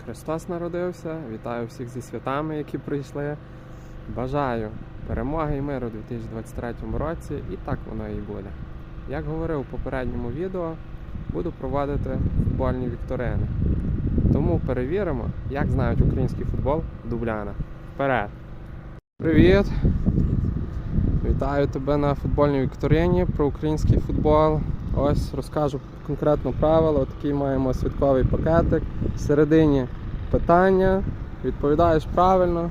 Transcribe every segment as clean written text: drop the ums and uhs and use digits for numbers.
Христос народився, вітаю всіх зі святами, які прийшли. Бажаю перемоги і миру у 2023 році, і так воно і буде. Як говорив у попередньому відео, буду проводити футбольні вікторини. Тому перевіримо, як знають український футбол дубляна. Вперед! Привіт! Вітаю тебе на футбольній вікторині про український футбол. Ось розкажу конкретно правила. Отакий маємо святковий пакетик. Всередині питання, відповідаєш правильно,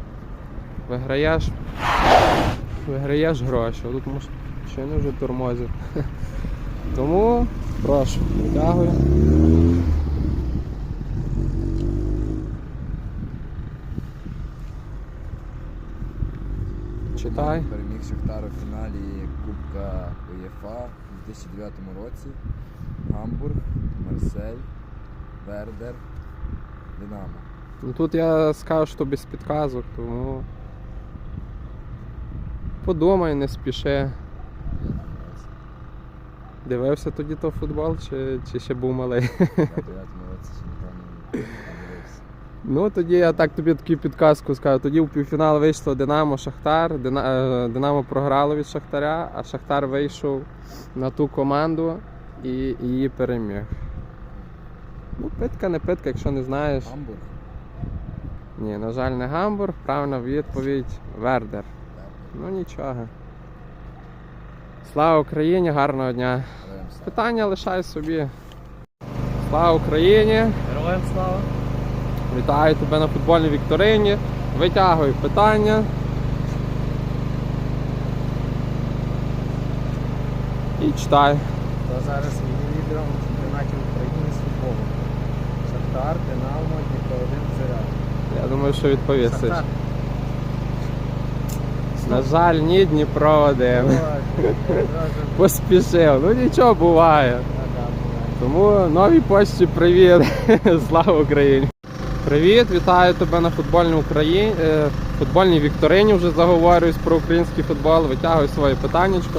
виграєш гроші. Тут машини вже тормозять. Тому прошу, витягую. Читай. Переміг Шахтар у фіналі Кубка УЄФА у 2009 році. Гамбург, Марсель, Вердер, Динамо. Ну тут я скажу, що без підказок, тому подумай, не спіши. Дивився тоді то футбол, чи ще був малий? У 2009 році ще ніхто не дивився. Ну тоді я так тобі таку підказку скажу. Тоді в півфінал вийшло Динамо Шахтар. Динамо програло від Шахтаря, а Шахтар вийшов на ту команду і її переміг. Ну, питка не питка, якщо не знаєш. Гамбург? Ні, на жаль, не Гамбург. Правильна відповідь Вердер. Ну нічого. Слава Україні, гарного дня. Питання лишай собі. Слава Україні. Героям слава! Вітаю тебе на футбольній вікторині. Витягуй питання. І читай. Хто зараз є лідером у чемпіонаті України з футболу? Шахтар, Динамо, Дніпро-1, Зоря. Я думаю, що відповісиш. Шахтар. На жаль, ні, Дніпро один. Ой, Поспішив. Ну нічого, буває. Тому новій почті привіт. Слава Україні. Привіт, вітаю тебе на футбольній вікторині. Вже заговорююсь про український футбол. Витягуй своє питаннячко.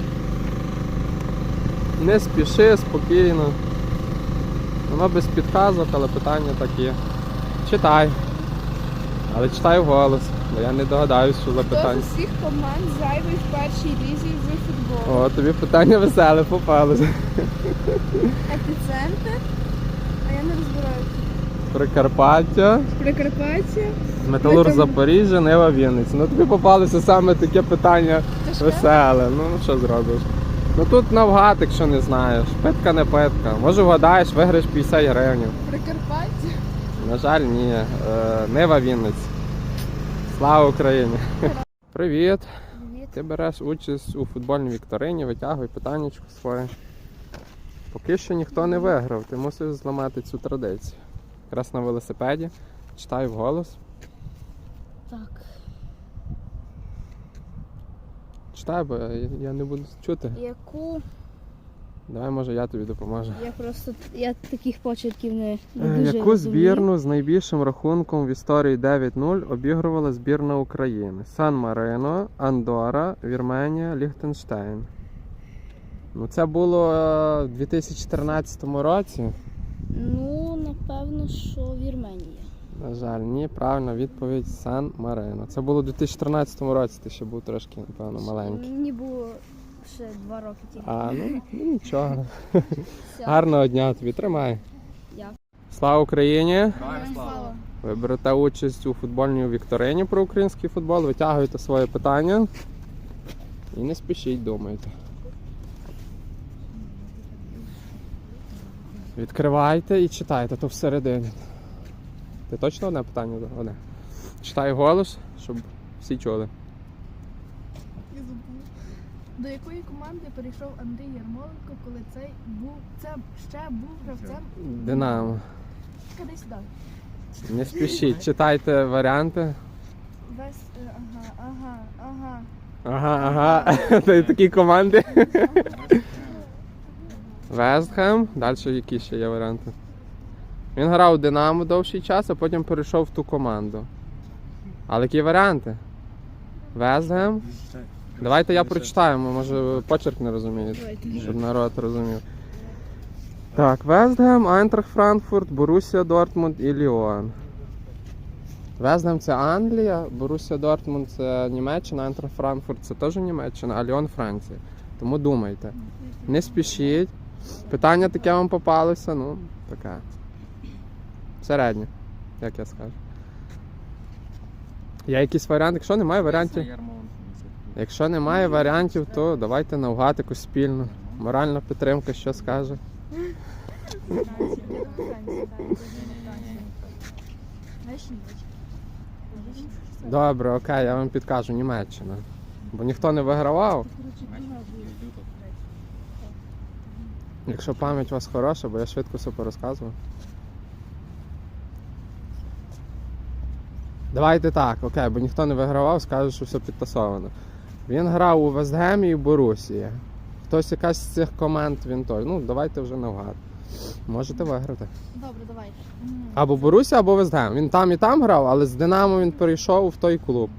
Не спіши, спокійно. Воно без підказок, але питання такі. Читай. Але читай вголос, бо я не догадаюсь, що за Хто питання. з усіх команд зайвий в першій лізі з футболу? О, тобі питання веселе попалося. Епіцентр? А я не розбираю. Прикарпаття, Прикарпаття? Металург Ми там- Запоріжжя, Нива Вінниця. Ну тобі попалося саме таке питання Тяжке? веселе. Ну що зробиш? Ну тут навгад, якщо не знаєш. Питка не питка. Може вгадаєш, виграєш 50 гривень. Прикарпаття? На жаль, ні. Нива Вінниця. Слава Україні! Привіт! Привіт. Ти береш участь у футбольній вікторині, витягуй питаннячко своє. Поки що ніхто не виграв, ти мусиш зламати цю традицію. Якраз на велосипеді, читай вголос. Так. Читай, бо я не буду чути. Яку? Давай, може, я тобі допоможу. Я таких почерків не дуже Яку розумію. збірну з найбільшим рахунком в історії 9-0 обігрувала збірна України? Сан-Марино, Андорра, Вірменія, Ліхтенштейн. Ну це було в 2014 році. Ну, напевно, що Вірменія. На жаль, ні, правильна відповідь Сан-Марино. Це було у 2014 році, ти ще був трошки, напевно, маленький. Мені було ще 2 роки тільки. А, ну нічого. Все. Гарного дня тобі, тримай. Дякую. Слава Україні! Героям слава. Ви берете участь у футбольній вікторині про український футбол, витягуєте своє питання і не спішіть, думайте. Відкривайте і читайте, то всередині. Ти точно одне питання? Одне. Читай голос, щоб всі чули. Я забув. До якої команди перейшов Андрій Ярмоленко, коли це ще був гравцем? Динамо. Куди сюди? Не спішіть, читайте варіанти. Ага. Ага. Та такі команди. Вестхем. Далі які ще є варіанти? Він грав у Динамо довший час, а потім перейшов в ту команду. Але які варіанти? Вестхем. Давайте я прочитаю, може почерк не розумієте, щоб народ розумів. Так, Вестгем, Айнтрахт Франкфурт, Борусія Дортмунд і Ліон. Вестгем це Англія, Борусія Дортмунд це Німеччина, Айнтрахт Франкфурт це теж Німеччина, а Ліон Франція. Тому думайте. Не спішіть. Питання таке вам попалося, ну, таке. Середнє, як я скажу. Є якісь варіанти? Якщо немає варіантів, якщо немає варіантів, то давайте навгад якусь спільну. Моральна підтримка, що скаже? Добре, окей, я вам підкажу, Німеччина. Бо ніхто не вигравав. Якщо пам'ять у вас хороша, бо я швидко все порозказував. Давайте так, окей, бо ніхто не вигравав, скаже, що все підтасовано. Він грав у Вестгемі і Борусії. Хтось якась з цих команд він той. Ну, давайте вже навгад. Можете виграти. Добре, давайте. Або Борусія, або Вестгем. Він там і там грав, але з Динамо він перейшов в той клуб.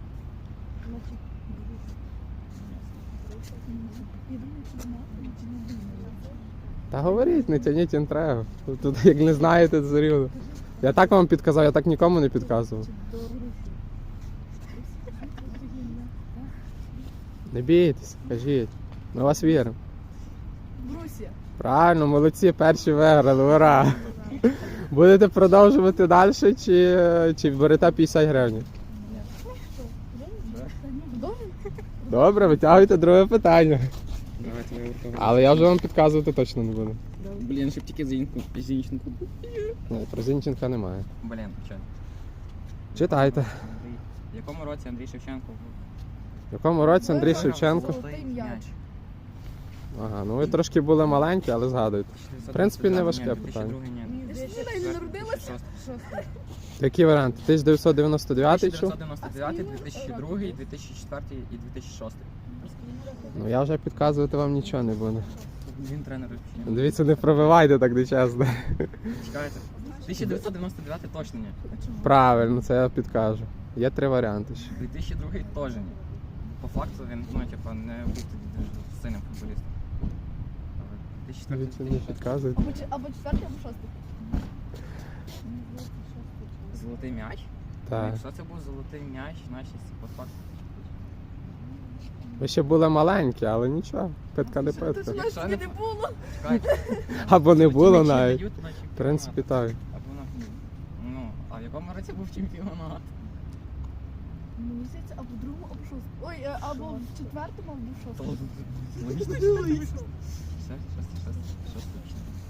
Та говоріть, не тяніть інтригу. Тут як не знаєте, то все рівно. Я так вам підказав, я так нікому не підказував. Не бійтесь, кажіть. Ми вас віримо. Брусія. Правильно, молодці, перші виграли, ура! Будете продовжувати далі чи берете 50 гривень? Добре, витягуйте друге питання. Давайте виберемо. Але я вже вам підказувати точно не буду. Блін, щоб тільки Зінченко. Ні, про Зінченка немає. Блін, що? Читайте. В якому році Андрій Шевченко був? В якому році Андрій Шевченко? Золотий м'яч. Ага, ну ви трошки були маленькі, але згадуйте. В принципі, не важке питання. Ти не народилася? Які варіанти? 1999 чи? 1999, 2002, 2004 і 2006. Ну я вже підказувати вам нічого не буду. Він тренер. Дивіться, не пробивайте так нечесно. Чекайте. 1999 точно ні. Правильно, це я підкажу. Є три варіанти ще. 2002 теж ні. По факту він, ну, типа, не був тоді сильним футболістом. Дивіться, не підказуйте. Або четвертий, або шостий. Золотий м'яч? Так. Якщо це був золотий м'яч, значить по факту. Ви ще були маленькі, але нічого. Питка не питка. Тож нас не було. Чекайте. Або не було М'ячі навіть. дають на В чемпіонат. принципі, так. Або на... Ну, а в якому році був чемпіонат? Мені здається, або в другому, або в шостому. Ой, або в четвертому, або в шостому. Логічно. Шостий.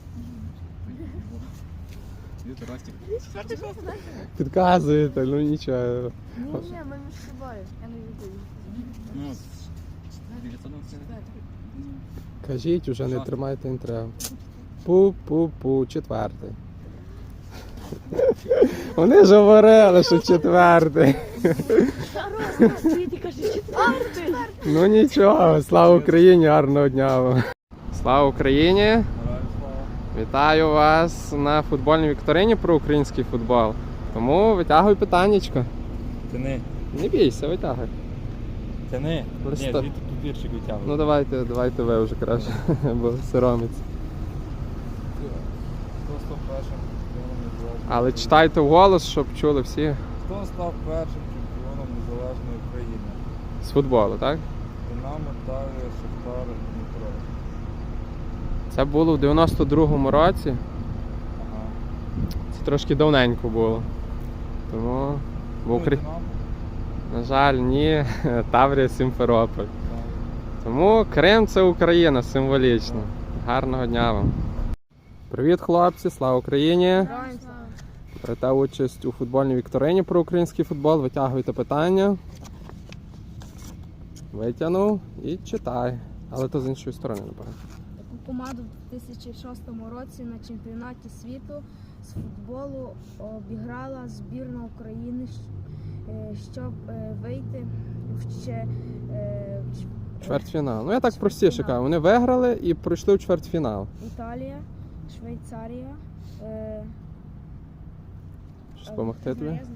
Дід Ростик. Четвертий, шостий. Підказуєте, ну нічого. Ні, ми між собою. Я не відповім. Ну, 999. Кажіть, уже не Що? тримайте інтригу. Пу-пу-пу, четвертий. Вони ж говорили, що четвертий. Світі каже, четвертий. Ну нічого, слава Україні, гарного дня вам. Слава Україні! Вітаю вас на футбольній вікторині про український футбол. Тому витягуй питаннячко. Тяни, Не бійся, витягуй. тяни. Ні, Листа. звідти папірчик витягуй. Ну давайте ви вже краще, бо соромиться. Хто став першим чемпіоном незалежної Але України? читайте вголос, щоб чули всі Хто став першим чемпіоном незалежної України? з футболу, так? Динамо, Таврія, Шахтар, Дніпро. Це було в 92-му році. Ага. Це трошки давненько було. Тому в Ну, і Україні, Динамо? на жаль, ні, Таврія, Сімферополь. Так. Тому Крим це Україна символічно. Гарного дня вам. Привіт, хлопці, слава Україні! Берете участь у футбольній вікторині про український футбол. Витягуйте питання. Витягнув і читай. Але то з іншої сторони, напевно. Таку команду в 2006 році на чемпіонаті світу з футболу обіграла збірна України, щоб вийти в Чвертьфінал. Ну я так простіше кажу. Вони виграли і пройшли в чвертьфінал. Італія, Швейцарія. Щось допомогти тобі? Знаю.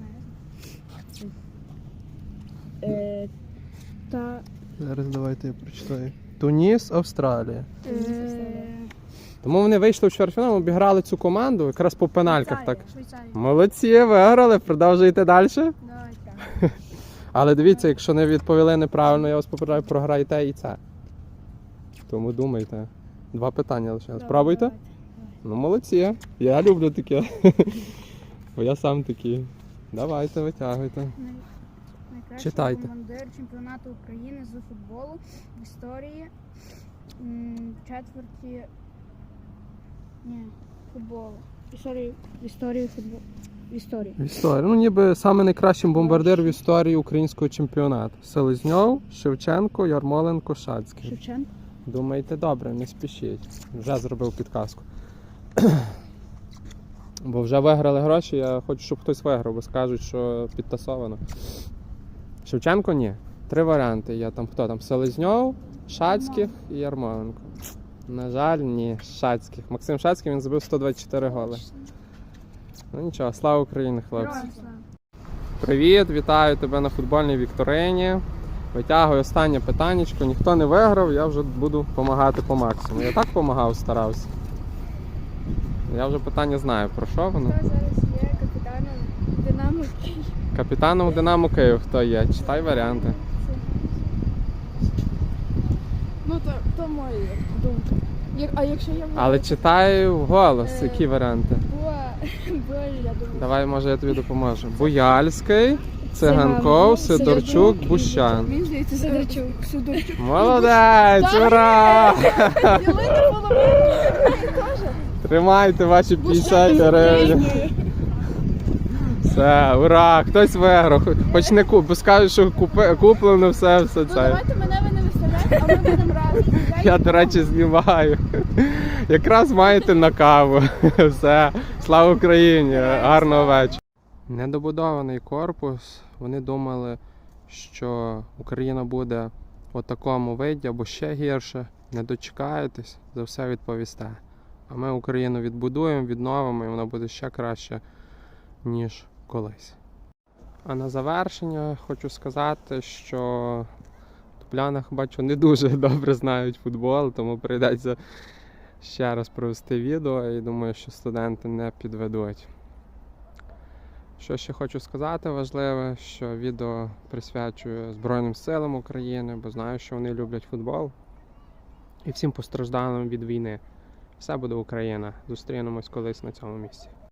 Та Зараз давайте я прочитаю. Туніс, Австралія. Тому вони вийшли в чвертьфінал, обіграли цю команду якраз по пенальках. Так. Швейцарія. Молодці, виграли, продовжуйте далі. Давай так. Але дивіться, якщо не відповіли неправильно, я вас попереджаю, програєте і це. Тому думайте. 2 питання лише. Спробуйте? Давайте. Ну, молодці. Я люблю таке. Бо я сам такий. Давайте, витягуйте. Найкращий Читайте. командир чемпіонату України з футболу в історії четверті футболу. В історії футболу. В історії. В історії. Ну, ніби саме найкращим бомбардир в історії українського чемпіонату. Селезньов, Шевченко, Ярмоленко, Шацький. Шевченко. Думайте добре, не спішіть. Вже зробив підказку. Бо вже виграли гроші, я хочу, щоб хтось виграв, бо скажуть, що підтасовано. Шевченко ні. 3 варіанти є. Там хто там? Селезньов, Шацьких і Ярмоленко. На жаль, ні. Шацьких. Максим Шацький, він забив 124 голи. Ну нічого, слава Україні, хлопці. Героям слава. Привіт, вітаю тебе на футбольній вікторині. Витягую останнє питаннячко. Ніхто не виграв, я вже буду допомагати по максимуму. Я так допомагав, старався. Я вже питання знаю, про що воно. Хто зараз є капітаном Динамо Київ? Капітаном Динамо Київ хто є? Читай варіанти. Ну, то моя думка. А якщо я Але читай вголос, які варіанти. Я думаю. Давай, може, я тобі допоможу. Буяльський, Циганков, Сидорчук, Бущан. Мені здається, Сидорчук. Молодець, ура! Ділити половину. Тримайте ваші 50 гривень. Все, ура! Хтось виграв. Хоч не бо скажуть, що куплено все Ну, це. давайте мене ви не виставляєте, а ми будемо разом. Я, до речі, знімаю. Якраз маєте на каву. Все. Слава Україні! Гарного вечора. Недобудований корпус. Вони думали, що Україна буде у такому виді або ще гірше. Не дочекаєтесь, за все відповісте. А ми Україну відбудуємо, відновимо і вона буде ще краще, ніж колись. А на завершення хочу сказати, що в Топлянах, бачу, не дуже добре знають футбол, тому прийдеться ще раз провести відео і думаю, що студенти не підведуть. Що ще хочу сказати важливе, що відео присвячую Збройним силам України, бо знаю, що вони люблять футбол. І всім постраждалим від війни. Все буде Україна. Зустрінемось колись на цьому місці.